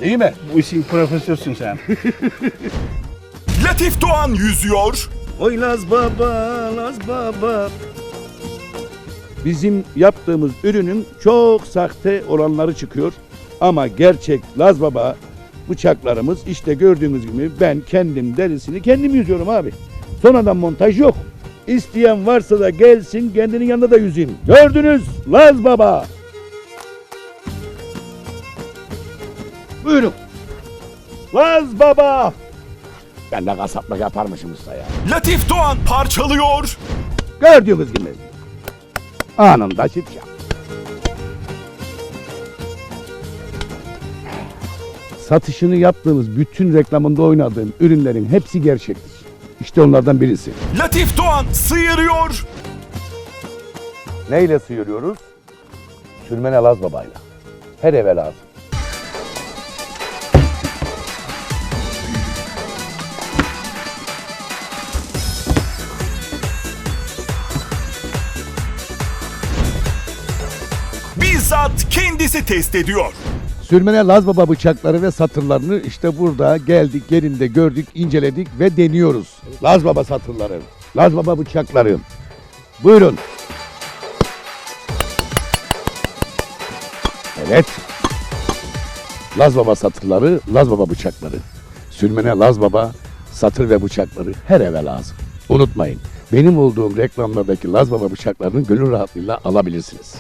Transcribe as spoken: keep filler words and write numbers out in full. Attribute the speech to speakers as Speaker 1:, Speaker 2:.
Speaker 1: Değil mi?
Speaker 2: Bu işin profesörsün sen.
Speaker 3: Latif Doğan yüzüyor.
Speaker 2: Oy Laz Baba, Laz Baba.
Speaker 1: Bizim yaptığımız ürünün çok sahte olanları çıkıyor. Ama gerçek Laz Baba bıçaklarımız işte gördüğünüz gibi ben kendim derisini kendim yüzüyorum abi. Sonradan montaj yok. İsteyen varsa da gelsin kendinin yanında da yüzeyim. Gördünüz Laz Baba. Buyurun. Laz Baba. Ben de kasaplık yaparmışım usta ya.
Speaker 3: Latif Doğan parçalıyor.
Speaker 1: Gördüğünüz gibi. Anında şipşak. Satışını yaptığımız bütün reklamında oynadığım ürünlerin hepsi gerçektir. İşte onlardan birisi.
Speaker 3: Latif Doğan sıyırıyor.
Speaker 1: Neyle sıyırıyoruz? Sürmene Laz Baba'yla. Her eve lazım.
Speaker 3: Bizzat kendisi test ediyor.
Speaker 1: Sürmene Laz Baba bıçakları ve satırlarını işte burada geldik, yerinde gördük, inceledik ve deniyoruz. Laz Baba satırları, Laz Baba bıçakları. Buyurun. Evet. Laz Baba satırları, Laz Baba bıçakları. Sürmene Laz Baba satır ve bıçakları her eve lazım. Unutmayın, benim olduğum reklamlardaki Laz Baba bıçaklarını gönül rahatlığıyla alabilirsiniz.